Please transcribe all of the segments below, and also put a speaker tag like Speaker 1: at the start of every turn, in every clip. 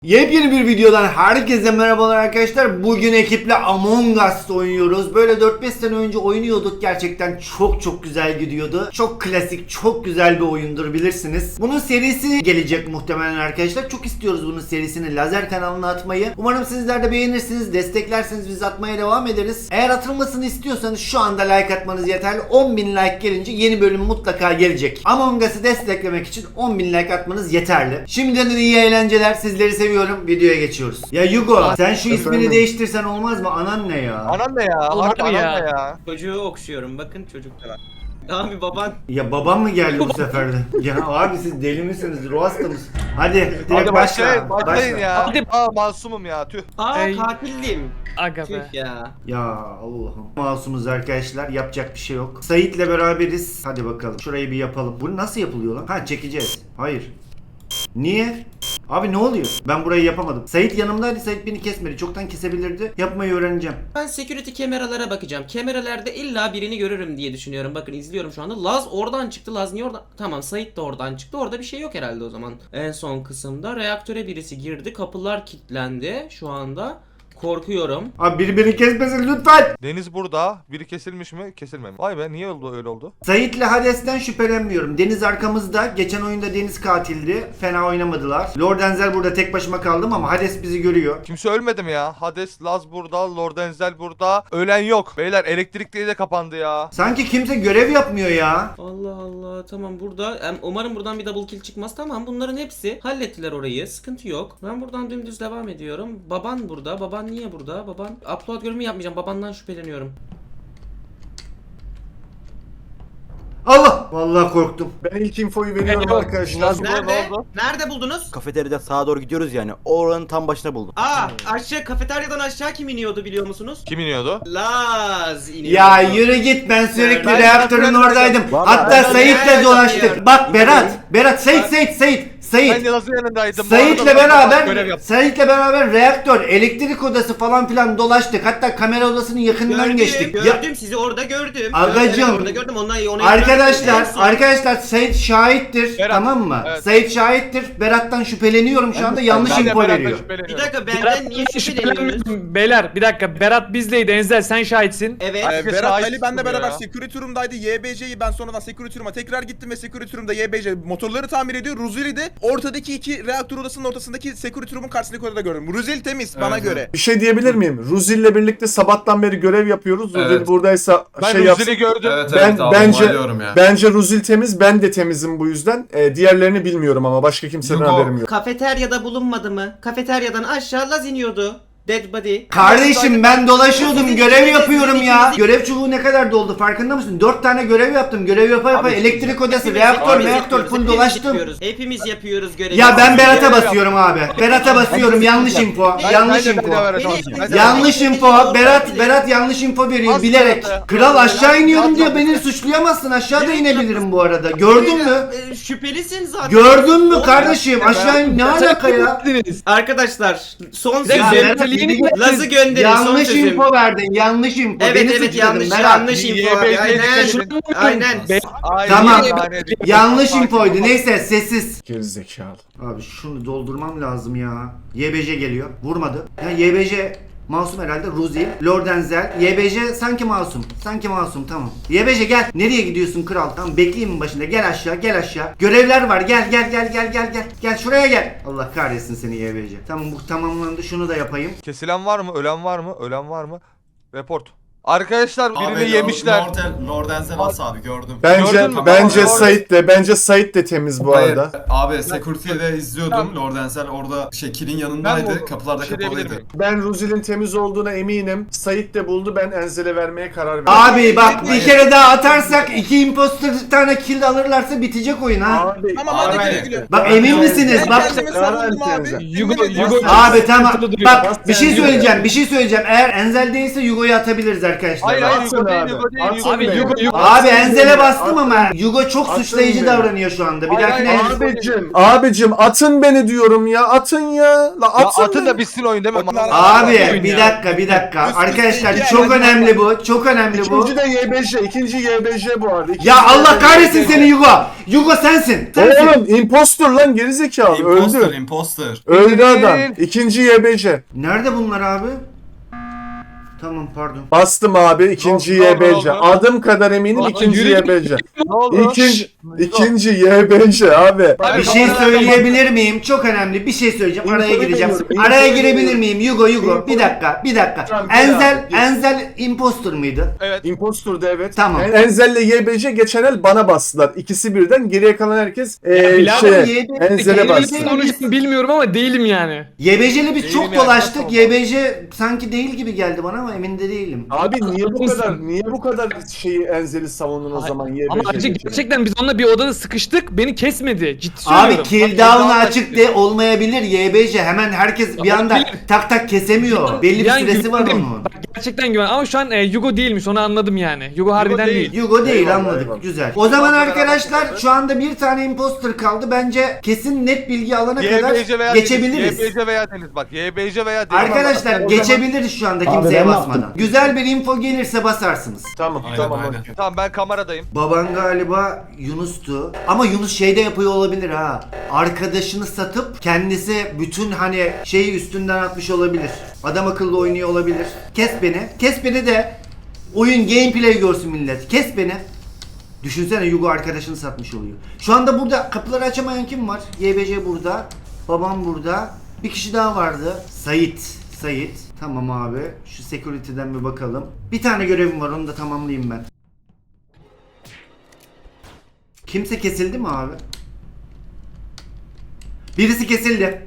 Speaker 1: Yepyeni bir videodan herkese merhabalar arkadaşlar. Bugün ekiple Among Us oynuyoruz. Böyle 4-5 sene önce oynuyorduk. Gerçekten çok güzel gidiyordu. Çok klasik, çok güzel bir oyundur bilirsiniz. Bunun serisi gelecek muhtemelen arkadaşlar. Çok istiyoruz bunun serisini Lazer kanalına atmayı. Umarım sizler de beğenirsiniz. Desteklerseniz biz atmaya devam ederiz. Eğer atılmasını istiyorsanız şu anda like atmanız yeterli. 10.000 like gelince yeni bölüm mutlaka gelecek. Among Us'ı desteklemek için 10.000 like atmanız yeterli. Şimdiden iyi eğlenceler. Sizleri seviyorum. Videoya geçiyoruz. Ya Yugo, sen şu ismini değiştirsen olmaz mı? Anan ne ya?
Speaker 2: Anan ne ya? Harbi anan ne ya?
Speaker 3: Çocuğu okşuyorum. Bakın çocuk da var. Abi baban.
Speaker 1: Ya babam mı geldi bu sefer de? Ya abi siz deli misiniz? Ruh hasta mısınız? Hadi direkt
Speaker 2: Hadi
Speaker 1: başla.
Speaker 2: başlayın ya.
Speaker 4: Hadi.
Speaker 2: Masumum ya tüh.
Speaker 3: Katildim.
Speaker 4: Aga
Speaker 3: Tüh
Speaker 4: be.
Speaker 3: ya.
Speaker 1: Ya Allah'ım. Masumuz arkadaşlar. Yapacak bir şey yok. Sait'le beraberiz. Hadi bakalım. Şurayı bir yapalım. Bu nasıl yapılıyor lan? Ha, çekeceğiz. Hayır. Niye? Abi ne oluyor? Ben burayı yapamadım. Sait yanımdaydı. Sait beni kesmedi. Çoktan kesebilirdi. Yapmayı öğreneceğim.
Speaker 3: Ben security kameralara bakacağım. Kameralarda illa birini görürüm diye düşünüyorum. Bakın izliyorum şu anda. Laz oradan çıktı. Laz niye oradan? Tamam, Sait de oradan çıktı. Orada bir şey yok herhalde o zaman. En son kısımda reaktöre birisi girdi. Kapılar kilitlendi şu anda. Korkuyorum.
Speaker 1: Abi biri kesmesin lütfen.
Speaker 2: Deniz burada. Biri kesilmiş mi? Kesilmemiş. Vay be, niye oldu öyle oldu?
Speaker 1: Sait'le Hades'ten şüphelenmiyorum. Deniz arkamızda. Geçen oyunda Deniz katildi. Fena oynamadılar. Lord Enzel burada tek başıma kaldım ama Hades bizi görüyor.
Speaker 2: Kimse ölmedi mi ya? Hades, Laz burada, Lord Enzel burada. Ölen yok. Beyler elektrikliği de kapandı ya.
Speaker 1: Sanki kimse görev yapmıyor ya.
Speaker 3: Allah Allah, tamam burada umarım buradan bir double kill çıkmaz. Tamam, bunların hepsi hallettiler orayı, sıkıntı yok. Ben buradan dümdüz devam ediyorum. Baban burada. Baban niye burada? Baban upload görevimi yapmayacağım, babandan şüpheleniyorum.
Speaker 1: Allah! Vallahi korktum.
Speaker 5: Ben ilk infoyu veriyorum
Speaker 4: Yok,
Speaker 5: arkadaşlar.
Speaker 3: Nerede?
Speaker 2: Ne oldu?
Speaker 3: Nerede buldunuz?
Speaker 6: Kafeteryadan sağa doğru gidiyoruz yani. Oranın tam başına buldum.
Speaker 3: Aşağı kafeteryadan aşağı kim iniyordu biliyor musunuz?
Speaker 2: Kim iniyordu?
Speaker 3: Laz iniyordu.
Speaker 1: Ya yürü git, ben sürekli
Speaker 2: Ben
Speaker 1: reaktörün
Speaker 2: zaten-
Speaker 1: oradaydım.
Speaker 6: Vallahi
Speaker 1: Hatta
Speaker 3: ben
Speaker 1: Sait'le
Speaker 3: de-
Speaker 1: dolaştık. Bak Berat, Sait.
Speaker 2: Ben Laz'ın yanındaydım.
Speaker 1: Sait'le
Speaker 2: Bu arada görev
Speaker 1: beraber
Speaker 2: yaptım.
Speaker 1: reaktör, elektrik odası falan filan dolaştık. Hatta kamera odasının yakınından geçtik. Ya,
Speaker 3: Gördüm sizi orada gördüm.
Speaker 1: Agacım.
Speaker 3: Evet, orada gördüm. Onu
Speaker 1: arkadaşlar Sait şahittir,
Speaker 2: Berat,
Speaker 1: tamam mı?
Speaker 2: evet.
Speaker 1: Sait şahittir. Berat'tan şüpheleniyorum şu anda, yanlış
Speaker 2: Ben de
Speaker 1: info
Speaker 2: Berat'tan
Speaker 1: veriyor.
Speaker 3: Bir
Speaker 2: şüpheleniyorum.
Speaker 3: dakika, benden
Speaker 4: Berat
Speaker 3: niye şüpheleniyorsunuz?
Speaker 4: Beyler bir dakika, Berat bizdeydi. Enzel sen şahitsin.
Speaker 3: Evet.
Speaker 2: Herkes
Speaker 5: Berat
Speaker 2: şahit
Speaker 5: Ali benle
Speaker 2: tutuyor
Speaker 5: beraber
Speaker 2: ya.
Speaker 5: security room'daydı. YBC'yi ben sonradan security room'a tekrar gittim ve security room'da YBC motorları tamir ediyor. Ruzeli de ortadaki iki reaktör odasının ortasındaki security room'un karşısındaki odada gördüm. Ruzeli temiz bana göre.
Speaker 7: Bir şey diyebilir miyim? Ruzil'le birlikte sabahtan beri görev yapıyoruz. Ruzil
Speaker 8: Evet.
Speaker 7: buradaysa
Speaker 2: Ben
Speaker 7: şey yapsın.
Speaker 2: Ruzel'i gördüm.
Speaker 8: Evet
Speaker 7: Ben-
Speaker 8: evet abi,
Speaker 7: bence-
Speaker 8: onaylıyorum ya.
Speaker 7: Bence Ruzil temiz, ben de temizim bu yüzden. Diğerlerini bilmiyorum ama başka kimseden
Speaker 8: Yugo.
Speaker 7: haberim yok.
Speaker 3: Kafeteryada bulunmadı mı? Kafeteryadan aşağı Laz iniyordu. Dead body.
Speaker 1: Kardeşim ben dolaşıyordum,
Speaker 3: Sizin
Speaker 1: görev
Speaker 3: ikiniz-
Speaker 1: yapıyorum
Speaker 3: sizin
Speaker 1: ya.
Speaker 3: ikiniz-
Speaker 1: Görev çubuğu ne kadar doldu farkında mısın? 4 tane görev yaptım. Görev yapa
Speaker 2: Abi,
Speaker 1: elektrik odası,
Speaker 3: Hepimiz
Speaker 1: reaktör
Speaker 3: yapıyoruz,
Speaker 1: full
Speaker 3: hepimiz
Speaker 1: dolaştım.
Speaker 3: yapıyoruz. Hepimiz yapıyoruz görevi.
Speaker 1: Ya ben Berat'a
Speaker 2: Görev
Speaker 1: basıyorum abi. Berat'a basıyorum, yanlış info.
Speaker 2: Ben-
Speaker 1: Yanlış
Speaker 2: ben de
Speaker 1: info.
Speaker 2: beraber
Speaker 3: Beni-
Speaker 2: çalışacağım. Ben de-
Speaker 1: Yanlış info. Berat yanlış info veriyor
Speaker 2: Asla
Speaker 1: bilerek.
Speaker 2: be.
Speaker 1: Kral aşağı iniyorum diye
Speaker 2: Asla.
Speaker 1: beni suçlayamazsın. Aşağıda inebilirim bu arada. Gördün mü?
Speaker 3: Şüphelisin zaten.
Speaker 1: Gördün mü
Speaker 3: Oğlum,
Speaker 1: kardeşim? Aşağı in, ne alaka ya?
Speaker 3: Arkadaşlar son
Speaker 1: Ya
Speaker 3: sözüm.
Speaker 1: Berat,
Speaker 3: Laz'ı gönderin, son
Speaker 1: yanlış
Speaker 3: sözüm.
Speaker 1: info verdin. Yanlış info.
Speaker 3: Evet
Speaker 1: Beni
Speaker 3: evet,
Speaker 1: suçladın
Speaker 3: yanlış
Speaker 1: Berat.
Speaker 3: yanlış info abi.
Speaker 2: YBC 'yi
Speaker 3: Aynen.
Speaker 2: kesin.
Speaker 3: Aynen.
Speaker 2: Aynen.
Speaker 1: Tamam.
Speaker 2: Aynen.
Speaker 1: Yanlış infoydu. Neyse sessiz.
Speaker 7: Gerizekalı.
Speaker 1: Abi şunu doldurmam lazım ya. YBC geliyor. Vurmadı. Ya YBC masum herhalde. Ruzi, Lord Enzel. YBC sanki masum. Sanki masum, tamam. YBC gel. Nereye gidiyorsun kral? Tamam, bekleyeyim başında. Gel aşağı. Görevler var. Gel. Gel şuraya gel. Allah kahretsin seni YBC. Tamam, bu tamamlandı. Şunu da yapayım.
Speaker 2: Kesilen var mı? Ölen var mı? Ölen var mı? Report. Arkadaşlar birini
Speaker 8: Abi,
Speaker 2: yemişler.
Speaker 8: Lord Enzel abi gördüm.
Speaker 2: Gördün mü?
Speaker 7: Bence
Speaker 2: Tamam,
Speaker 7: Sait de temiz bu
Speaker 8: Hayır,
Speaker 7: arada.
Speaker 8: abi security'de izliyordum. Lord Enzel orada kilin yanındaydı.
Speaker 2: Ben
Speaker 8: Kapılarda
Speaker 2: bir şey diyebilir
Speaker 8: kapalıydı.
Speaker 2: miyim?
Speaker 7: Ben Ruzil'in temiz olduğuna eminim. Sait de buldu. Ben Enzel'e vermeye karar verdim.
Speaker 1: Abi bak, bir kere daha atarsak 2 imposter bir tane kill alırlarsa bitecek oyun ha.
Speaker 7: Abi,
Speaker 5: Tamam
Speaker 8: Abi.
Speaker 5: hadi güle güle.
Speaker 1: Bak emin misiniz?
Speaker 5: Ben
Speaker 1: Bak.
Speaker 5: kendimi savundum abi.
Speaker 4: Yugo-
Speaker 5: Yemin ediyorum.
Speaker 1: Abi tamam.
Speaker 4: Sıkıntılı duruyor.
Speaker 1: Bak bir şey söyleyeceğim. Eğer Enzel değilse Yugo'yu atabiliriz arkadaşlar.
Speaker 2: Hayır hayır
Speaker 7: Atın
Speaker 2: Yugo değil
Speaker 7: abi.
Speaker 2: Yugo değil.
Speaker 7: Atın
Speaker 2: Yugo
Speaker 4: Abi
Speaker 2: değil.
Speaker 4: Yugo
Speaker 1: Abi
Speaker 7: Atın
Speaker 1: Enzel'e
Speaker 7: beni,
Speaker 1: bastım
Speaker 7: atın.
Speaker 1: ama Yugo çok
Speaker 7: Atın
Speaker 1: suçlayıcı
Speaker 7: beni.
Speaker 1: davranıyor şu anda. Bir
Speaker 2: Hayır,
Speaker 1: dahakine
Speaker 2: hayır.
Speaker 7: Abicim atın beni diyorum ya. Atın ya. La
Speaker 2: Ya
Speaker 7: atın,
Speaker 2: atın
Speaker 7: beni.
Speaker 2: da bitsin oyun değil mi?
Speaker 1: Abi
Speaker 4: Oyun
Speaker 1: bir
Speaker 4: ya.
Speaker 1: dakika. Arkadaşlar
Speaker 5: iki
Speaker 1: çok
Speaker 5: yani.
Speaker 1: önemli bu. Çok önemli bu.
Speaker 7: İkinci de YBJ. İkinci YBJ bu arada. İkinci
Speaker 1: Ya Allah
Speaker 7: YBJ.
Speaker 1: kahretsin seni Yugo. Yugo sensin. Sensin.
Speaker 7: Oğlum impostor lan gerizekalı.
Speaker 8: Imposter,
Speaker 7: Öldü.
Speaker 8: imposter.
Speaker 7: Öldü adam. İkinci YBJ.
Speaker 1: Nerede bunlar abi? Tamam pardon.
Speaker 7: Bastım abi ikinci
Speaker 2: Ne oldu,
Speaker 7: YBJ.
Speaker 2: ne oldu?
Speaker 7: Adım kadar eminim ikinci
Speaker 4: yürü git.
Speaker 7: YBJ.
Speaker 2: Ne oldu?
Speaker 7: İkinci YBJ abi.
Speaker 1: Bir şey söyleyebilir miyim? Çok önemli bir şey söyleyeceğim. Araya
Speaker 7: İnfoyu
Speaker 1: gireceğim.
Speaker 7: veriyorum,
Speaker 1: Araya
Speaker 7: infoyu
Speaker 1: girebilir
Speaker 7: veriyorum.
Speaker 1: miyim? Yugo.
Speaker 7: İnfoyu-
Speaker 1: Bir dakika.
Speaker 7: Tamam, gir
Speaker 1: Enzel
Speaker 7: abi, gir.
Speaker 1: Enzel impostor mıydı?
Speaker 2: Evet.
Speaker 7: Impostor'da evet.
Speaker 1: Tamam.
Speaker 7: Enzel'le YBJ geçen el bana bastılar. İkisi birden geriye kalan herkes
Speaker 4: birader,
Speaker 7: Enzel'e bastı.
Speaker 4: Konuştum bilmiyorum ama değilim yani.
Speaker 1: YBJ'le biz
Speaker 2: Değilim
Speaker 1: çok
Speaker 2: yani,
Speaker 1: dolaştık.
Speaker 2: nasıl
Speaker 1: YBJ sanki değil gibi geldi bana ama emin de değilim.
Speaker 7: Abi niye bu kadar şeyi Enzel'i savundun o zaman YBJ?
Speaker 4: Ama ayrıca
Speaker 7: için?
Speaker 4: gerçekten biz onunla bir odada sıkıştık. Beni kesmedi. Ciddi
Speaker 1: Abi
Speaker 4: söylüyorum.
Speaker 1: kill down'u açık de olmayabilir YBJ. Hemen herkes bir anda
Speaker 4: Olabilir.
Speaker 1: tak kesemiyor. Belli bir
Speaker 4: Yani
Speaker 1: süresi var
Speaker 4: güvendim.
Speaker 1: onun.
Speaker 4: Bak, gerçekten güven. Ama şu an Yugo değilmiş onu anladım yani. Yugo harbiden
Speaker 2: değil.
Speaker 4: değil.
Speaker 1: Yugo değil
Speaker 7: Eyvallah,
Speaker 1: anladık.
Speaker 7: eyvallah.
Speaker 1: Güzel. O zaman
Speaker 2: Eyvallah,
Speaker 1: arkadaşlar
Speaker 2: eyvallah.
Speaker 1: şu anda bir tane imposter kaldı. Bence kesin net bilgi alana kadar
Speaker 2: YBC veya
Speaker 1: geçebiliriz.
Speaker 2: Deniz. YBC veya Deniz bak. YBC veya Deniz.
Speaker 1: Arkadaşlar
Speaker 7: O zaman-
Speaker 1: geçebiliriz şu anda kimseye basmadan. Güzel bir info gelirse basarsınız.
Speaker 7: Tamam
Speaker 8: Aynen,
Speaker 7: tamam.
Speaker 8: aynen.
Speaker 7: okey.
Speaker 2: Tamam ben kameradayım.
Speaker 1: Baban galiba Yunus'tu. Ama Yunus şeyde yapıyor olabilir ha. Arkadaşını satıp kendisi bütün hani şeyi üstünden atmış olabilir. Adam akıllı oynuyor olabilir. Kes beni. Kes beni de oyun gameplay görsün millet. Kes beni. Düşünsene Yugo arkadaşını satmış oluyor. Şu anda burada kapıları açamayan kim var? YBC burada. Babam burada. Bir kişi daha vardı. Sait. Tamam abi. Şu security'den bir bakalım. Bir tane görevim var onu da tamamlayayım ben. Kimse kesildi mi abi? Birisi kesildi.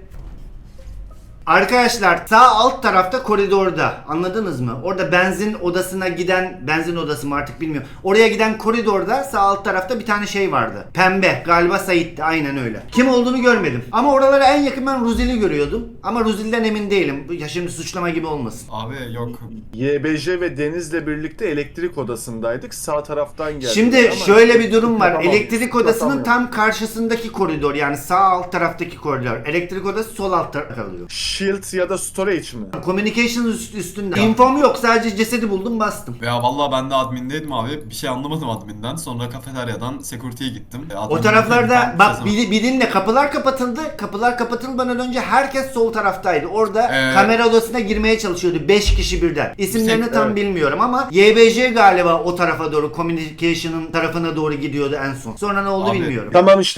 Speaker 1: Arkadaşlar sağ alt tarafta koridorda anladınız mı? Orada benzin odasına giden benzin odası mı artık bilmiyorum. Oraya giden koridorda sağ alt tarafta bir tane şey vardı. Pembe galiba Sait'ti aynen öyle. Kim olduğunu görmedim. Ama oralara en yakın ben Ruzil'i görüyordum. Ama Ruzil'den emin değilim. Ya şimdi suçlama gibi olmasın.
Speaker 8: Abi yok.
Speaker 7: YBJ ve Deniz'le birlikte elektrik odasındaydık. Sağ taraftan geldi.
Speaker 1: Şimdi şöyle bir durum var.
Speaker 7: Tamam,
Speaker 1: Elektrik odasının
Speaker 7: tamam.
Speaker 1: tam karşısındaki koridor yani sağ alt taraftaki koridor. Elektrik odası sol alt tarafta kalıyor.
Speaker 7: Shield ya da storage mi?
Speaker 1: Communication üstünde. İnfom yok sadece cesedi buldum bastım.
Speaker 8: Ya vallahi ben de admindeydim abi. Bir şey anlamadım adminden. Sonra kafeteryadan security'ye gittim.
Speaker 1: O
Speaker 8: Admin
Speaker 1: taraflarda
Speaker 8: dedim,
Speaker 1: bak
Speaker 8: ben
Speaker 1: bir dinle kapılar kapatıldı. Kapılar kapatılmadan önce herkes sol taraftaydı. Orada
Speaker 8: Evet.
Speaker 1: kamera odasına girmeye çalışıyordu 5 kişi birden. İsimlerini
Speaker 8: Bir tek-
Speaker 1: tam
Speaker 7: evet.
Speaker 1: bilmiyorum ama YBJ galiba o tarafa doğru communication'ın tarafına doğru gidiyordu en son. Sonra ne oldu
Speaker 8: Abi,
Speaker 1: bilmiyorum.
Speaker 7: Tamam işte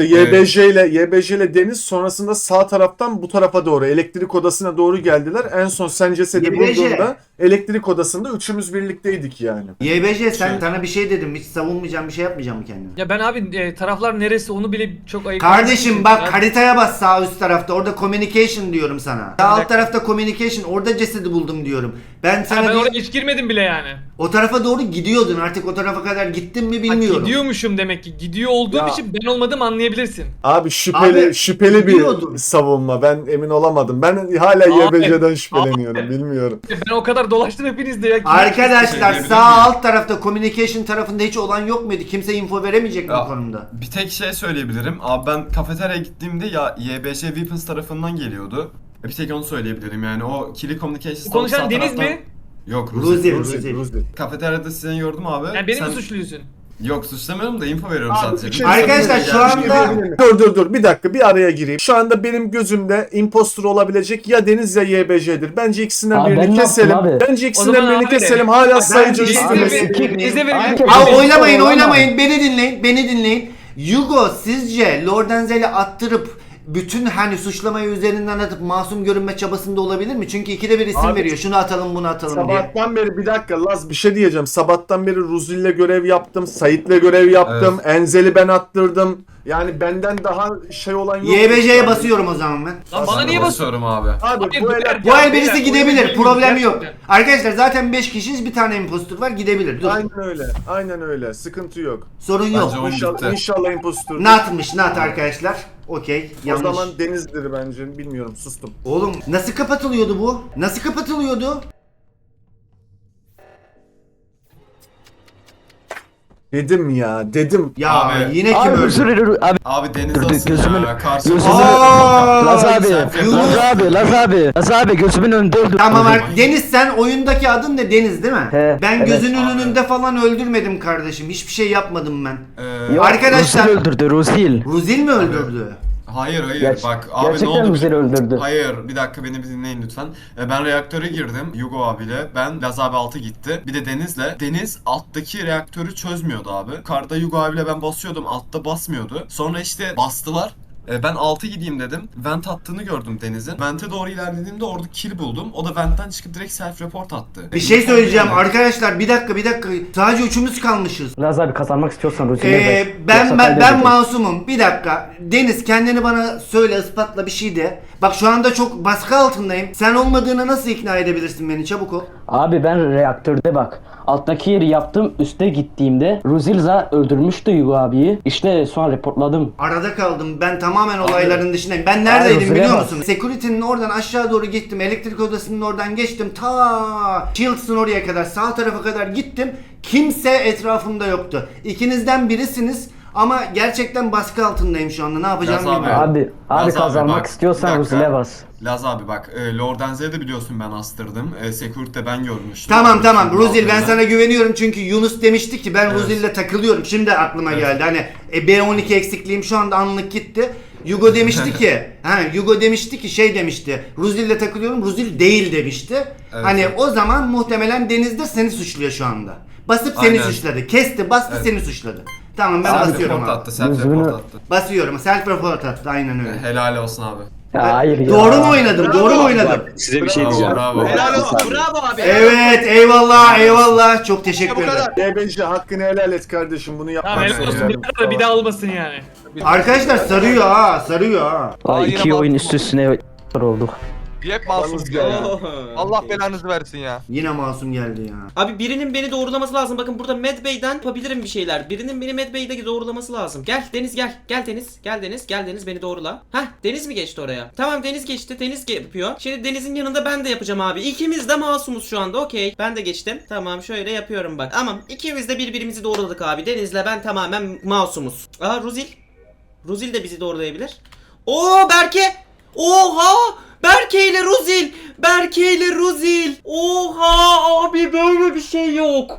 Speaker 7: YBJ ile Deniz sonrasında sağ taraftan bu tarafa doğru elektrik odasına doğru geldiler. En son sen cesedi
Speaker 1: YBJ.
Speaker 7: bulduğunda elektrik odasında üçümüz birlikteydik yani.
Speaker 1: YBJ sana bir şey dedim. Hiç savunmayacağım bir şey yapmayacağım mı kendine?
Speaker 4: Ya ben abi taraflar neresi onu bile çok ayıp.
Speaker 1: Kardeşim bak
Speaker 4: Ben-
Speaker 1: haritaya bas sağ üst tarafta. Orada communication diyorum sana. Sağ alt tarafta communication. Orada cesedi buldum diyorum. Ben sana
Speaker 4: ben
Speaker 1: bir-
Speaker 4: oraya hiç girmedim bile yani.
Speaker 1: o tarafa doğru gidiyordun. Artık o tarafa kadar gittin mi
Speaker 4: Ha,
Speaker 1: bilmiyorum.
Speaker 4: gidiyormuşum demek ki. Gidiyor olduğum
Speaker 7: Ya.
Speaker 4: için ben olmadım anlayabilirsin.
Speaker 7: Abi şüpheli
Speaker 1: Abi,
Speaker 7: şüpheli
Speaker 1: biliyordum.
Speaker 7: bir savunma. Ben emin olamadım. Ben hala
Speaker 4: Abi,
Speaker 7: YBJ'den şüpheleniyorum. Bilmiyorum.
Speaker 4: Ben o kadar dolaştım hepinizde ya.
Speaker 1: Arkadaşlar
Speaker 8: Söyleyebilir
Speaker 1: sağ
Speaker 8: miyim?
Speaker 1: alt tarafta communication tarafında hiç olan yok muydu? Kimse info veremeyecek mi
Speaker 8: Ya,
Speaker 1: bu konuda?
Speaker 8: Bir tek şey söyleyebilirim. Abi ben kafeteryaya gittiğimde ya YBJ Weapons tarafından geliyordu. Bir tek onu söyleyebilirim yani o Kili Communications
Speaker 4: Konuşan
Speaker 8: sağ
Speaker 4: Deniz
Speaker 8: taraftan-
Speaker 4: mi?
Speaker 8: Yok
Speaker 1: Ruzi.
Speaker 8: Ruzi. Kafeteryada seni gördüm abi.
Speaker 4: Yani beni
Speaker 8: Sen-
Speaker 4: mi suçluyorsun?
Speaker 8: Yok suçlamıyorum da info veriyorum
Speaker 7: Abi,
Speaker 8: sadece.
Speaker 7: bir şey
Speaker 1: Arkadaşlar, şu anda-
Speaker 7: Dur bir dakika bir araya gireyim. Şu anda benim gözümde impostor olabilecek ya Deniz ya YBJ'dir. Bence ikisinden
Speaker 9: Abi ben
Speaker 7: birini
Speaker 9: ne
Speaker 7: keselim.
Speaker 9: yaptım abi?
Speaker 7: Bence
Speaker 4: O
Speaker 7: ikisinden
Speaker 4: zaman
Speaker 7: birini
Speaker 4: abi,
Speaker 7: keselim. Hala sayıcı
Speaker 1: Denize
Speaker 7: üstündeyiz.
Speaker 4: Denize verelim.
Speaker 1: Abi oynamayın. Beni dinleyin. Yugo sizce Lord Enzel'i attırıp bütün hani suçlamayı üzerinden atıp masum görünme çabasında olabilir mi? Çünkü ikide bir isim
Speaker 7: Abi,
Speaker 1: veriyor. Şunu atalım bunu atalım diye.
Speaker 7: Sabahtan beri bir dakika Laz bir şey diyeceğim. Sabahtan beri Ruzi'yle görev yaptım. Sait'le görev yaptım. Enzel'i ben attırdım. Yani benden daha şey olan yok.
Speaker 1: YBJ'ye basıyorum o zaman ben.
Speaker 4: Lan bana niye basıyorsun?
Speaker 8: basıyorum abi.
Speaker 7: Abi
Speaker 4: Abi,
Speaker 7: bu el
Speaker 4: beyler,
Speaker 1: Bu el
Speaker 4: beyler,
Speaker 1: birisi
Speaker 4: oyunu
Speaker 1: gidebilir.
Speaker 4: bilmiyorum,
Speaker 1: Problem yok.
Speaker 4: gerçekten.
Speaker 1: Arkadaşlar zaten 5 kişiyiz. Bir tane impostor var. Gidebilir. Dur.
Speaker 7: Aynen öyle. Sıkıntı yok.
Speaker 1: Sorun yok.
Speaker 8: Bence o-
Speaker 7: İnşallah, inşallah impostor.
Speaker 1: Not arkadaşlar. Okey.
Speaker 7: O
Speaker 1: Yanlış.
Speaker 7: zaman Deniz'dir bence. Bilmiyorum sustum.
Speaker 1: Oğlum nasıl kapatılıyordu bu? Nasıl kapatılıyordu?
Speaker 7: Dedim ya dedim.
Speaker 1: Ya
Speaker 8: Abi.
Speaker 1: yine kim
Speaker 9: Abi
Speaker 1: öldü?
Speaker 9: özür dilerim abi.
Speaker 8: Abi Deniz
Speaker 9: Dur,
Speaker 8: asıl
Speaker 9: gözümün-
Speaker 8: ya. Karşımıza
Speaker 9: gözümün-
Speaker 1: Aa,
Speaker 9: Laz abi,
Speaker 8: Selfie
Speaker 1: Yunus.
Speaker 9: Laz abi gözümün önünde öldü.
Speaker 1: Tamam Deniz, sen oyundaki adın ne? Deniz değil mi?
Speaker 9: He,
Speaker 1: Ben
Speaker 9: evet.
Speaker 1: gözünün
Speaker 8: Abi.
Speaker 1: önünde falan öldürmedim kardeşim. Hiçbir şey yapmadım ben.
Speaker 9: Yok,
Speaker 1: Arkadaşlar-
Speaker 9: Ruzil öldürdü Ruzil.
Speaker 1: Ruzil mi öldürdü?
Speaker 8: Hayır
Speaker 9: Ger-
Speaker 8: bak abi ne
Speaker 9: gerçekten
Speaker 8: oldu?
Speaker 9: Ruzil öldürdü.
Speaker 8: Hayır bir dakika beni bir dinleyin lütfen. Ben reaktöre girdim Yugo abiyle. Ben Laz abi altı gitti. Bir de Deniz'le. Deniz alttaki reaktörü çözmüyordu abi. Yukarıda Yugo abiyle ben basıyordum. Altta basmıyordu. Sonra işte bastılar. Ben 6 gideyim dedim. Vent attığını gördüm Deniz'in. Vent'e doğru ilerlediğimde orada kill buldum. O da Vent'ten çıkıp direkt self report attı.
Speaker 1: Bir şey söyleyeceğim
Speaker 8: Yani.
Speaker 1: arkadaşlar, bir dakika. Sadece üçümüz kalmışız.
Speaker 9: Laz abi kazanmak istiyorsan Ruzil'e ver.
Speaker 1: Ben
Speaker 9: Yoksa
Speaker 1: ben
Speaker 9: kaybedecek.
Speaker 1: masumum. Bir dakika. Deniz kendini bana söyle, ispatla bir şey de. Bak şu anda çok baskı altındayım. Sen olmadığını nasıl ikna edebilirsin beni? Çabuk ol.
Speaker 9: Abi ben reaktörde bak. Alttaki yeri yaptım. Üste gittiğimde Ruzilza öldürmüştü Yugo abiyi. İşte sonra reportladım.
Speaker 1: Arada kaldım. Ben tamamen olayların dışındayım. Ben neredeydim
Speaker 9: Hayır,
Speaker 1: biliyor
Speaker 9: Züleyha.
Speaker 1: musun? Security'nin oradan aşağı doğru gittim. Elektrik odasının oradan geçtim. Ta Shields'ın oraya kadar, sağ tarafa kadar gittim. Kimse etrafımda yoktu. İkinizden birisiniz ama gerçekten baskı altındayım şu anda. Ne yapacağımı
Speaker 8: Yaz abi.
Speaker 1: bilmiyorum.
Speaker 9: Abi
Speaker 8: Laz abi
Speaker 9: kazanmak
Speaker 8: bak, bir
Speaker 9: istiyorsan
Speaker 8: dakika.
Speaker 9: Ruzil'e bas.
Speaker 8: Laz abi bak Lord Enzel'i de biliyorsun ben astırdım. Security'de ben görmüştüm.
Speaker 1: Tamam
Speaker 8: Şimdi
Speaker 1: Ruzil, ben
Speaker 8: altında.
Speaker 1: sana güveniyorum çünkü Yunus demişti ki ben
Speaker 8: Evet.
Speaker 1: Ruzil'le takılıyorum. Şimdi aklıma
Speaker 8: Evet.
Speaker 1: geldi. Hani B12 eksikliğim şu anda anlık gitti. Yugo demişti ki şey demişti. Ruzil'le takılıyorum. Ruzil değil demişti.
Speaker 8: Evet.
Speaker 1: Hani o zaman muhtemelen Deniz'de seni suçluyor şu anda. Basıp seni
Speaker 8: Aynen.
Speaker 1: suçladı. Kesti, bastı
Speaker 8: Evet.
Speaker 1: seni suçladı. Tamam ben
Speaker 8: Self
Speaker 1: basıyorum
Speaker 8: report
Speaker 1: abi.
Speaker 8: attı, self
Speaker 9: Gözünü-
Speaker 8: report attı.
Speaker 1: Basıyorum. Self report attı. Aynen öyle.
Speaker 8: Helal olsun abi.
Speaker 9: Ya hayır ya.
Speaker 1: Doğru mu oynadım? Doğru mu oynadım?
Speaker 10: Size bir şey
Speaker 8: Bravo,
Speaker 10: diyeceğim.
Speaker 8: bravo.
Speaker 3: Helal olsun. Bravo abi.
Speaker 1: Evet, eyvallah. Çok teşekkür ederim.
Speaker 7: YBC hakkını helal et kardeşim bunu
Speaker 4: Tamam
Speaker 7: yapma.
Speaker 4: helal olsun. Bir daha olmasın yani.
Speaker 1: Arkadaşlar sarıyor ha.
Speaker 9: Ay,
Speaker 2: Aa,
Speaker 9: iki
Speaker 2: yine
Speaker 9: oyun
Speaker 2: masum.
Speaker 9: üst üstüne olduk.
Speaker 2: Hep masum ya. Allah belanızı versin ya.
Speaker 1: Yine masum geldi ya.
Speaker 3: Abi birinin beni doğrulaması lazım. Bakın burada Mad Bey'den yapabilirim bir şeyler. Birinin beni Mad Bey'de doğrulaması lazım. Gel Deniz gel. Gel Deniz beni doğrula. Hah Deniz mi geçti oraya? Tamam Deniz geçti. Deniz yapıyor. Şimdi Deniz'in yanında ben de yapacağım abi. İkimiz de masumuz şu anda. Okey. Ben de geçtim. Tamam şöyle yapıyorum bak. Tamam ikimiz de birbirimizi doğruladık abi. Deniz'le ben tamamen masumuz. Aa Ruzil. Ruzil de bizi doğrulayabilir. Oo Berke. Oha! Berke ile Ruzil. Oha abi böyle bir şey yok.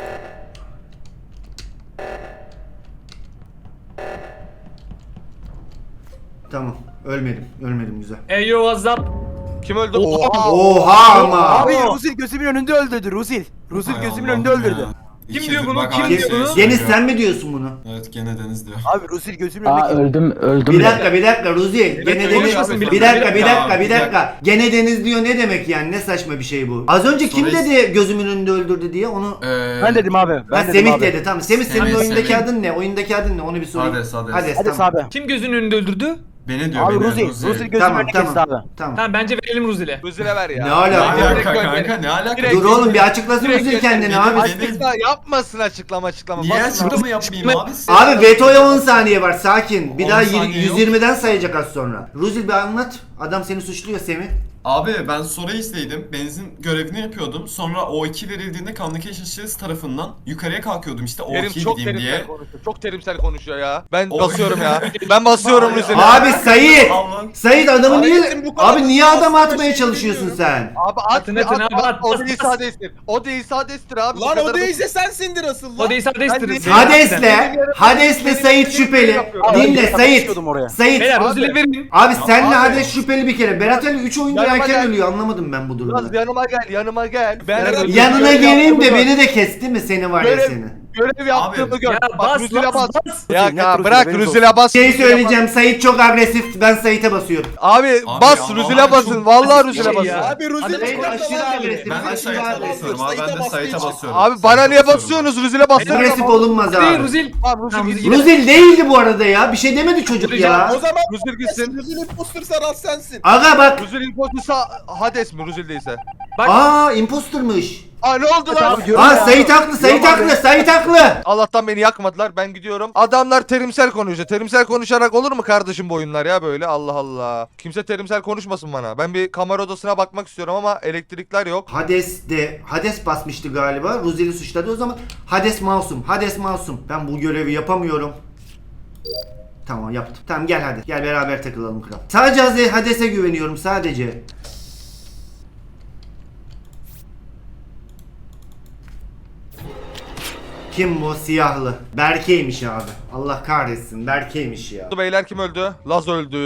Speaker 1: Tamam. Ölmedim güzel.
Speaker 4: Hey yo what's up?
Speaker 2: Kim öldü?
Speaker 1: Oha ama.
Speaker 6: Abi Ruzil gözümün önünde öldürdü Ruzil. Ruzil
Speaker 8: Hay
Speaker 6: gözümün
Speaker 8: Allah'ım
Speaker 6: önünde öldürdü.
Speaker 8: ya.
Speaker 4: Kim
Speaker 8: İki
Speaker 4: diyor
Speaker 8: yıldır
Speaker 4: bunu?
Speaker 8: bak
Speaker 4: Kim
Speaker 8: aynı
Speaker 4: diyor
Speaker 8: şeyi
Speaker 4: bunu?
Speaker 8: söylüyor.
Speaker 1: Deniz sen mi diyorsun bunu?
Speaker 8: Evet gene Deniz diyor.
Speaker 6: Abi Ruzil gözümün önünde.
Speaker 9: Aa öldüm.
Speaker 1: Bir dakika Ruzil. Gene
Speaker 2: Evet,
Speaker 1: Deniz.
Speaker 2: konuşmasın,
Speaker 1: Bir
Speaker 2: bir
Speaker 1: dakika. Gene Deniz diyor ne demek yani? Ne saçma bir şey bu. Az önce kim
Speaker 8: Sonra-
Speaker 1: dedi gözümün önünde öldürdü diye onu.
Speaker 6: Ben dedim abi.
Speaker 1: Ha,
Speaker 6: Ben dedim
Speaker 1: Semih
Speaker 6: abi.
Speaker 1: dedi tamam. Semih senin
Speaker 8: Semih,
Speaker 1: oyundaki
Speaker 8: Semih.
Speaker 1: adın ne? Oyundaki adın ne? Onu bir sorayım.
Speaker 8: Hades.
Speaker 6: Hadi
Speaker 1: tamam.
Speaker 6: abi.
Speaker 4: Kim gözünün önünde öldürdü?
Speaker 8: Beni diyor
Speaker 6: Abi
Speaker 8: beni.
Speaker 6: Ruzil. Ruzil gözümün
Speaker 1: Tamam
Speaker 6: önünde kesti abi.
Speaker 1: tamam.
Speaker 4: Tamam bence verelim Ruzil'e.
Speaker 2: Ruzil'e ver ya.
Speaker 1: Ne alaka?
Speaker 8: Ne alaka
Speaker 2: Direkt
Speaker 8: kanka
Speaker 2: gönder.
Speaker 8: ne alaka?
Speaker 2: Direkt
Speaker 1: Dur oğlum bir açıklasın
Speaker 2: Direkt
Speaker 1: Ruzil
Speaker 2: göster.
Speaker 1: kendini
Speaker 8: Benim-
Speaker 1: abi.
Speaker 2: Açıkla yapmasın açıklama.
Speaker 8: Niye
Speaker 2: Basın.
Speaker 8: açıklama yapmayayım abi?
Speaker 1: Abi vetoya 10 saniye var sakin. Bir
Speaker 8: 10
Speaker 1: daha
Speaker 8: saniye yok.
Speaker 1: 120'den sayacak az sonra. Ruzil bir anlat. Adam seni suçluyor Semih.
Speaker 8: Abi ben Sorais'teydim. Benzin görevini yapıyordum. Sonra O2 verildiğinde Communication Shields tarafından yukarıya kalkıyordum işte
Speaker 2: Kerim
Speaker 8: O2
Speaker 2: çok
Speaker 8: gideyim diye.
Speaker 2: terimsel konuşuyor. Çok terimsel konuşuyor ya. Ben
Speaker 8: O-
Speaker 2: basıyorum ya. Ben basıyorum Ruzil'e.
Speaker 1: Abi Sait.
Speaker 8: Allah.
Speaker 1: Sait adamı niye
Speaker 5: Hayrettin, bu kadar
Speaker 1: abi niye adam
Speaker 5: aslında
Speaker 1: atmaya
Speaker 5: şey
Speaker 1: çalışıyorsun
Speaker 5: bilmiyorum.
Speaker 1: sen?
Speaker 2: Abi at,
Speaker 4: Atın,
Speaker 2: at,
Speaker 4: atın
Speaker 2: at,
Speaker 4: abi,
Speaker 2: at.
Speaker 4: at.
Speaker 2: O değilse Hades'tir. O değilse Hades'tir abi. Bu
Speaker 5: Lan
Speaker 2: kadar
Speaker 5: o değilse sensindir asıl lan.
Speaker 4: O değilse Hades'tir.
Speaker 1: Hades'le Sait şüpheli.
Speaker 6: Abi,
Speaker 1: Dinle
Speaker 6: ben
Speaker 1: Sait.
Speaker 6: konuşuyordum oraya.
Speaker 1: Sait.
Speaker 4: Beyler
Speaker 2: Abi.
Speaker 4: Ruzil'e verin.
Speaker 1: Abi senle
Speaker 8: Abi.
Speaker 1: Hades şüpheli bir kere. Berat Ali 3 oyundur
Speaker 2: Yanıma
Speaker 1: erken
Speaker 2: gel.
Speaker 1: ölüyor. Anlamadım ben bu durumu.
Speaker 2: Biraz yanıma gel. Ben
Speaker 5: Berat-
Speaker 1: Yanına
Speaker 2: görev
Speaker 1: geleyim de
Speaker 2: yaptığımı
Speaker 1: beni de kesti mi seni var ya
Speaker 2: Görev-
Speaker 1: seni.
Speaker 2: Görev yaptığımı gör.
Speaker 4: Ya
Speaker 2: Bak
Speaker 4: bas
Speaker 2: Ruzil'e
Speaker 4: bas
Speaker 2: bas.
Speaker 4: bas.
Speaker 2: Ya
Speaker 6: Net Ruzil'e
Speaker 2: bırak
Speaker 6: benim
Speaker 2: Ruzil'e bas.
Speaker 1: Şey
Speaker 2: Ruzil'e bas.
Speaker 1: söyleyeceğim Sait çok agresif. Ben Sait'e basıyorum.
Speaker 2: Abi
Speaker 8: Abi
Speaker 2: bas
Speaker 8: ya,
Speaker 2: Ruzil'e
Speaker 8: vallahi
Speaker 2: basın.
Speaker 8: çok
Speaker 2: Vallahi
Speaker 4: basit bir
Speaker 2: Ruzil'e
Speaker 4: şey
Speaker 2: basın.
Speaker 4: ya.
Speaker 5: Abi Ruzil
Speaker 1: Hadi,
Speaker 5: çok
Speaker 1: aşırı
Speaker 5: agresif.
Speaker 1: agresif.
Speaker 8: Ben de
Speaker 1: Aşırı
Speaker 8: Sait'e
Speaker 1: agresif.
Speaker 8: basıyorum abi. Ben de
Speaker 5: Sait'e
Speaker 8: Sait'e
Speaker 5: bastığı
Speaker 8: basıyorum.
Speaker 2: Abi bana
Speaker 8: Sait'e
Speaker 2: niye
Speaker 8: basıyorum.
Speaker 2: basıyorsunuz? Ruzil'e basın.
Speaker 1: Agresif olunmaz
Speaker 4: Değil
Speaker 1: abi.
Speaker 4: Ruzil.
Speaker 2: Abi Ruzil
Speaker 4: Tamam,
Speaker 2: gitsin.
Speaker 1: Ruzil değildi bu arada ya. Bir şey demedi çocuk ya.
Speaker 5: O zaman
Speaker 2: Ruzil gitsin.
Speaker 5: Ruzil imposter Rast sensin.
Speaker 1: Aga bak.
Speaker 2: Ruzil impostersa Hades mi? Ruzil değilse.
Speaker 1: Aa impostermış.
Speaker 2: Aa ne oldu lan?
Speaker 1: Aa Sait haklı, Sait haklı, Sait haklı.
Speaker 2: Allah'tan beni yakmadılar. Ben gidiyorum. Adamlar terimsel konuşuyor. Terimsel konuşarak olur mu kardeşim bu oyunlar ya böyle? Allah Allah. Kimse terimsel konuşmasın bana. Ben bir kamera odasına bakmak istiyorum ama elektrikler yok.
Speaker 1: Hades basmıştı galiba. Ruzel'i suçladı o zaman. Hades masum, Hades masum. Ben bu görevi yapamıyorum. Tamam yaptım. Tamam gel hadi. Gel beraber takılalım kral. Sadece Hades'e güveniyorum sadece. Kim bu? Siyahlı. Berke'ymiş abi. Allah kahretsin. Berke'ymiş ya.
Speaker 2: Beyler kim öldü? Laz öldü.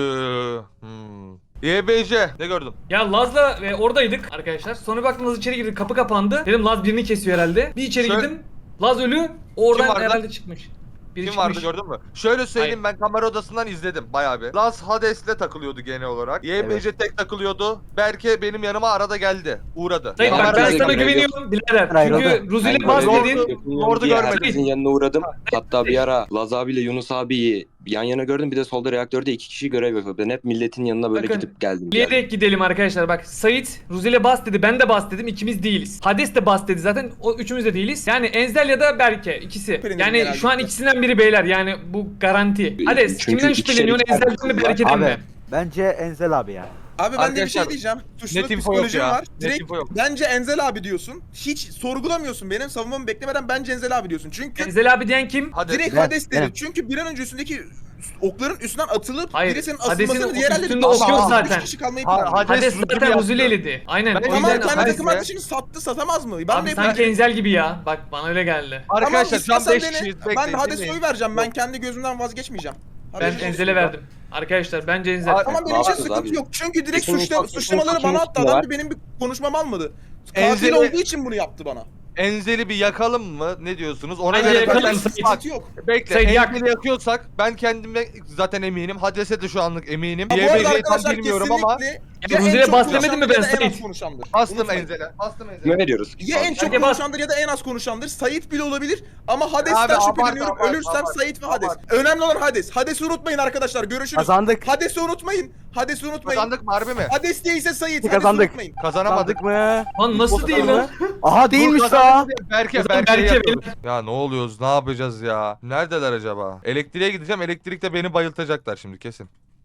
Speaker 2: YBC ne gördüm?
Speaker 4: Ya Laz'la oradaydık arkadaşlar. Sonra baktım Laz içeri girdi. Kapı kapandı. Dedim Laz birini kesiyor herhalde. Bir içeri
Speaker 2: Şöyle-
Speaker 4: girdim. Laz ölü. Oradan
Speaker 2: vardı?
Speaker 4: herhalde çıkmış. Biri
Speaker 2: Kim
Speaker 4: çıkmış.
Speaker 2: vardı gördün mü? Şöyle söyleyeyim, ben kamera odasından izledim bayağı bir. Laz Hades'le takılıyordu genel olarak. YBC tek takılıyordu. Berke benim yanıma arada geldi. Uğradı.
Speaker 4: Sayın bak ben
Speaker 2: Kamera-
Speaker 4: sana güveniyorum birader.
Speaker 6: Hayır,
Speaker 4: Çünkü Ruzel'e bas
Speaker 2: Lord'u-
Speaker 4: dedin.
Speaker 2: Lord'u görmedim.
Speaker 10: Herkesin yanına uğradım. Hatta bir ara Laz abiyle Yunus abiyi yan yana gördüm. Bir de solda reaktörde 2 kişi görev yapıyor. Ben hep milletin yanına böyle
Speaker 4: Bakın,
Speaker 10: gidip geldim.
Speaker 4: Bilerek gidelim arkadaşlar bak. Sait Ruzel'e bas dedi. Ben de bas dedim. İkimiz değiliz. Hades de bas dedi zaten. O üçümüz de değiliz. Yani Enzel ya da Berke ikisi. Yani
Speaker 5: genelde.
Speaker 4: şu an ikisinden biri beyler. Yani bu garanti. Hades
Speaker 10: Çünkü
Speaker 4: kimden
Speaker 10: iki
Speaker 4: şüpheleniyorsun?
Speaker 10: kişilik
Speaker 4: Enzel'den mi
Speaker 10: herkes var.
Speaker 4: Berke'den
Speaker 6: Abi
Speaker 4: mi?
Speaker 6: bence Enzel abi ya.
Speaker 5: Abi ben de bir
Speaker 2: Arkadaşlar,
Speaker 5: şey diyeceğim. Suçluluk
Speaker 2: net info yok
Speaker 5: psikolojim
Speaker 2: ya.
Speaker 5: var.
Speaker 2: Net
Speaker 5: Direkt
Speaker 2: info yok.
Speaker 5: bence Enzel abi diyorsun. Hiç sorgulamıyorsun benim savunmamı beklemeden bence Enzel abi diyorsun. Çünkü
Speaker 4: Enzel abi diyen kim?
Speaker 2: Hadi.
Speaker 5: direkt
Speaker 6: Ben-
Speaker 5: Hades dedi.
Speaker 6: benim.
Speaker 5: Çünkü bir an önce üstündeki okların üstünden atılıp
Speaker 4: Hayır,
Speaker 5: birisinin
Speaker 4: Hades'in
Speaker 5: asılmasını diğer elleri
Speaker 4: üstünde ok yok zaten.
Speaker 5: 3 kişi kalmayı
Speaker 2: Ha-
Speaker 5: planlıyor.
Speaker 2: Hades
Speaker 4: Hades
Speaker 2: Ruzel'i
Speaker 4: zaten
Speaker 2: yaptı.
Speaker 4: Ruzel'i eledi. Aynen.
Speaker 2: Ben-
Speaker 4: O
Speaker 5: Ama
Speaker 4: yüzden
Speaker 5: kendi
Speaker 2: Hades
Speaker 5: takım
Speaker 2: be.
Speaker 5: arkadaşını sattı satamaz mı? Ben
Speaker 4: Abi
Speaker 5: de
Speaker 4: sanki Enzel gibi ya. Bak bana öyle geldi.
Speaker 2: Arkadaşlar şu an
Speaker 5: istersen
Speaker 2: 5
Speaker 5: dene.
Speaker 2: kişiyiz.
Speaker 5: Ben
Speaker 2: Bekleyin,
Speaker 5: Hades'e
Speaker 2: dinleyin.
Speaker 5: oy vereceğim. Ben kendi gözümden vazgeçmeyeceğim.
Speaker 4: Ben
Speaker 5: Haberiniz olsun.
Speaker 4: Enzel'e verdim. Arkadaşlar bence Enzel.
Speaker 2: Abi-
Speaker 5: Tamam benim
Speaker 10: Ne
Speaker 5: için
Speaker 10: yapacağız
Speaker 5: sıkıntı
Speaker 10: abi?
Speaker 5: yok. Çünkü direkt
Speaker 10: Kesin
Speaker 5: suçlamaları
Speaker 10: kesin
Speaker 5: bana attı.
Speaker 10: kesin
Speaker 5: Adam
Speaker 10: var.
Speaker 5: bir benim bir konuşmamı almadı. Katil
Speaker 2: Enzel'i-
Speaker 5: olduğu için bunu yaptı bana.
Speaker 2: Enzel'i bir yakalım mı? Ne diyorsunuz? Ona
Speaker 4: Bence
Speaker 2: göre
Speaker 4: yakalım.
Speaker 2: ben...
Speaker 4: Sayın.
Speaker 2: Bak,
Speaker 5: Sıkıntı yok.
Speaker 2: bekle.
Speaker 4: Sayın, yak.
Speaker 2: Enzel'i yakıyorsak ben kendime zaten eminim. Hades'e de şu anlık eminim.
Speaker 5: Ha, bu arada
Speaker 2: YBC'yi tam
Speaker 5: arkadaşlar
Speaker 2: bilmiyorum ama
Speaker 5: kesinlikle
Speaker 4: Ya
Speaker 5: en
Speaker 4: Ruzel'e
Speaker 5: çok
Speaker 4: bas demedin mi
Speaker 5: konuşandır
Speaker 4: ben
Speaker 5: ya da en az
Speaker 4: Sait?
Speaker 5: konuşandır.
Speaker 2: bastım
Speaker 5: Unutmayın.
Speaker 2: Enzel'e. Bastım
Speaker 10: Kime
Speaker 2: Enzel'e.
Speaker 10: veriyoruz?
Speaker 5: Ya en çok
Speaker 4: Hadi bas.
Speaker 5: konuşandır ya da en az konuşandır. Sait bile olabilir ama Hades'ten
Speaker 2: Abi, abart,
Speaker 5: şüpheleniyorum.
Speaker 2: abart,
Speaker 5: Ölürsem
Speaker 2: abart,
Speaker 5: Sait ve Hades.
Speaker 2: abart.
Speaker 5: Önemli olan Hades. Hades'i unutmayın arkadaşlar. Görüşürüz.
Speaker 6: Kazandık.
Speaker 5: Hades'i unutmayın. Hades'i unutmayın.
Speaker 2: Kazandık mı harbi mi?
Speaker 5: Hades değilse Sait. Hades'i
Speaker 6: Kazandık.
Speaker 5: unutmayın.
Speaker 2: Kazanamadık.
Speaker 6: Kazandık mı?
Speaker 4: Lan nasıl değil lan?
Speaker 6: Aha değilmiş daha.
Speaker 2: Berke,
Speaker 4: Kazan
Speaker 2: Berke'yi
Speaker 4: Berke,
Speaker 2: yakıyoruz. Ya ne oluyoruz? Ne yapacağız ya? Neredeler acaba? Elektriğe gideceğim. Elektrikte beni bayıltacaklar şimdi kesin.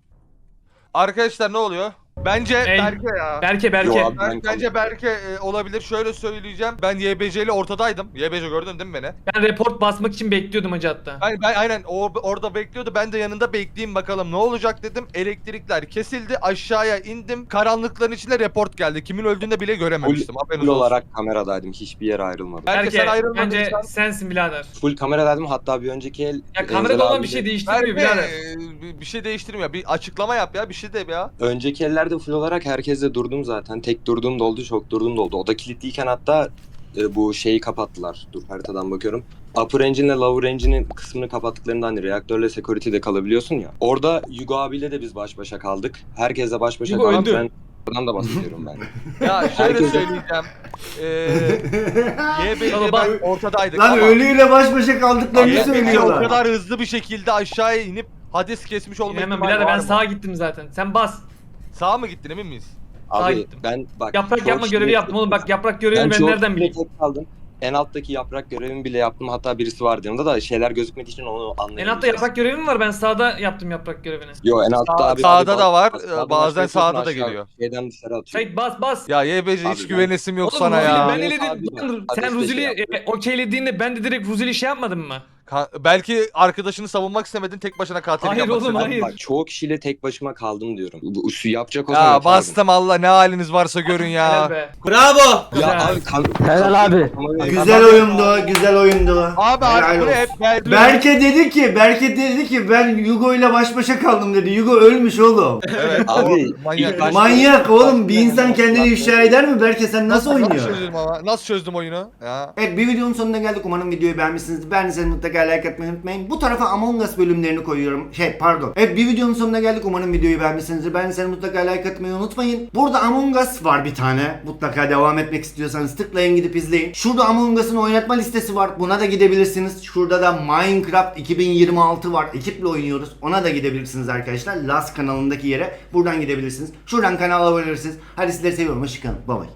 Speaker 2: Arkadaşlar ne oluyor? Bence
Speaker 4: Ey,
Speaker 2: Berke ya.
Speaker 4: Berke.
Speaker 10: Yo abi.
Speaker 2: Bence Berke olabilir. Şöyle söyleyeceğim. Ben YBC ile ortadaydım. YBC gördün değil mi beni?
Speaker 4: Ben report basmak için bekliyordum hacı hatta.
Speaker 2: Ben aynen orada bekliyordu. Ben de yanında bekleyeyim bakalım ne olacak dedim. Elektrikler kesildi. Aşağıya indim. Karanlıkların içinde report geldi. Kimin öldüğünü bile görememiştim. Haberiniz
Speaker 10: Full
Speaker 2: olsun.
Speaker 10: olarak kameradaydım. Hiçbir yere ayrılmadım.
Speaker 2: Berke, sen
Speaker 4: Bence
Speaker 2: ayrılmadıysan...
Speaker 4: sensin birader.
Speaker 10: Full kameradaydım. Hatta bir önceki el
Speaker 4: Ya
Speaker 10: Enzel
Speaker 4: kamerada olan bir
Speaker 10: abiyle-
Speaker 4: şey değiştirmiyor birader.
Speaker 2: Bir şey değiştirmiyor. Bir açıklama yap ya. Bir şey de ya.
Speaker 10: Önceki ellerde full olarak herkesle durdum zaten. Tek durduğum da oldu, çok durduğum da oldu. O da kilitliyken hatta bu şeyi kapattılar. Dur haritadan bakıyorum. Upper Engine'le Lower Engine'in kısmını kapattıklarında hani reaktörle security'de kalabiliyorsun ya. Orada Yugo abiyle de biz baş başa kaldık. Herkesle baş başa
Speaker 4: Yugo
Speaker 10: kaldık.
Speaker 4: öldü.
Speaker 10: Ben oradan da bahsediyorum ben.
Speaker 2: Ya şöyle
Speaker 10: Herkes-
Speaker 2: söyleyeceğim. YBC
Speaker 4: Tamam,
Speaker 2: ben ortadaydık
Speaker 1: Lan
Speaker 2: ama
Speaker 1: ölüyle baş başa kaldıklarını
Speaker 2: YBC o
Speaker 1: söylüyorlar.
Speaker 2: kadar hızlı bir şekilde aşağıya inip Hades kesmiş olma
Speaker 4: Hemen
Speaker 2: ihtimali
Speaker 4: birader
Speaker 2: var
Speaker 4: ben
Speaker 2: mı?
Speaker 4: sağa gittim zaten. Sen bas.
Speaker 2: Sağa mı gittin emin miyiz?
Speaker 4: Sağa
Speaker 10: Abi
Speaker 4: gittim.
Speaker 10: ben bak...
Speaker 4: Yaprak
Speaker 10: çoğu
Speaker 4: yapma görevi
Speaker 10: kişiyle-
Speaker 4: yaptım oğlum. Bak yaprak görevini ben
Speaker 10: çoğu
Speaker 4: nereden
Speaker 10: kişiyle
Speaker 4: bileyim?
Speaker 10: tek kaldım. En alttaki yaprak görevimi bile yaptım. Hatta birisi vardı yanımda da şeyler gözükmediği için onu
Speaker 4: En
Speaker 10: anlayamadım.
Speaker 4: altta yaprak görevi mi var? Ben sağda yaptım yaprak görevini.
Speaker 10: Yo en altta abi.
Speaker 2: Sağda da var,
Speaker 10: Sağdan
Speaker 2: bazen
Speaker 10: aşağı
Speaker 2: sağda da
Speaker 10: aşağı
Speaker 2: geliyor.
Speaker 10: Şeyden dışarı atıyor.
Speaker 4: Sait bas.
Speaker 2: Ya YBC
Speaker 10: Abi
Speaker 2: hiç
Speaker 10: ben-
Speaker 2: güvenesim yok
Speaker 4: Oğlum
Speaker 2: sana
Speaker 4: Ruzil'i
Speaker 2: ya.
Speaker 4: ben
Speaker 10: Abi
Speaker 4: eledim.
Speaker 10: bak,
Speaker 4: Lan
Speaker 10: Hades
Speaker 4: sen
Speaker 10: de
Speaker 4: Ruzil'i
Speaker 10: şey
Speaker 4: okeylediğinde ben de direkt Ruzil'i şey yapmadım mı?
Speaker 2: Belki arkadaşını savunmak istemedin tek başına katil
Speaker 4: Hayır
Speaker 2: yapmak
Speaker 4: oğlum,
Speaker 2: istedin.
Speaker 4: hayır.
Speaker 10: Bak çoğu kişiyle tek başıma kaldım diyorum. Bu şu yapacak olsam
Speaker 2: Ya
Speaker 10: yapardım.
Speaker 2: bastım Allah ne haliniz varsa görün
Speaker 4: Helal
Speaker 2: ya.
Speaker 4: be.
Speaker 3: Bravo.
Speaker 10: Ya
Speaker 4: Güzel.
Speaker 10: abi
Speaker 9: Helal abi.
Speaker 1: Güzel oyundu, güzel oyundu.
Speaker 2: Abi
Speaker 1: Helal
Speaker 2: bu ne
Speaker 1: olsun.
Speaker 2: hep
Speaker 1: Berke dedi ki ben Yugo ile baş başa kaldım dedi. Yugo ölmüş oğlum.
Speaker 2: Evet
Speaker 10: Abi,
Speaker 2: manyak.
Speaker 10: ilk baş-
Speaker 1: Manyak oğlum, bir insan kendini ifşa eder mi? Berke sen nasıl oynuyorsun?
Speaker 2: çözdüm ama? Nasıl çözdüm oyunu? Ya.
Speaker 1: Evet, bir videonun sonuna geldik. Umarım videoyu beğenmişsinizdir. Beğendiyseniz mutlaka like atmayı unutmayın. Bu tarafa Among Us bölümlerini koyuyorum. Evet, bir videonun sonuna geldik. Umarım videoyu beğenmişsinizdir. Beğendiyseniz mutlaka like atmayı unutmayın. Burada Among Us var bir tane. Mutlaka devam etmek istiyorsanız tıklayın, gidip izleyin. Şurada Among Us'ın oynatma listesi var. Buna da gidebilirsiniz. Şurada da Minecraft 2026 var. Ekiple oynuyoruz. Ona da gidebilirsiniz arkadaşlar. Last kanalındaki yere. Buradan gidebilirsiniz. Şuradan kanala abone olabilirsiniz. Hadi sizleri seviyorum. Hoşçakalın. Bye bye.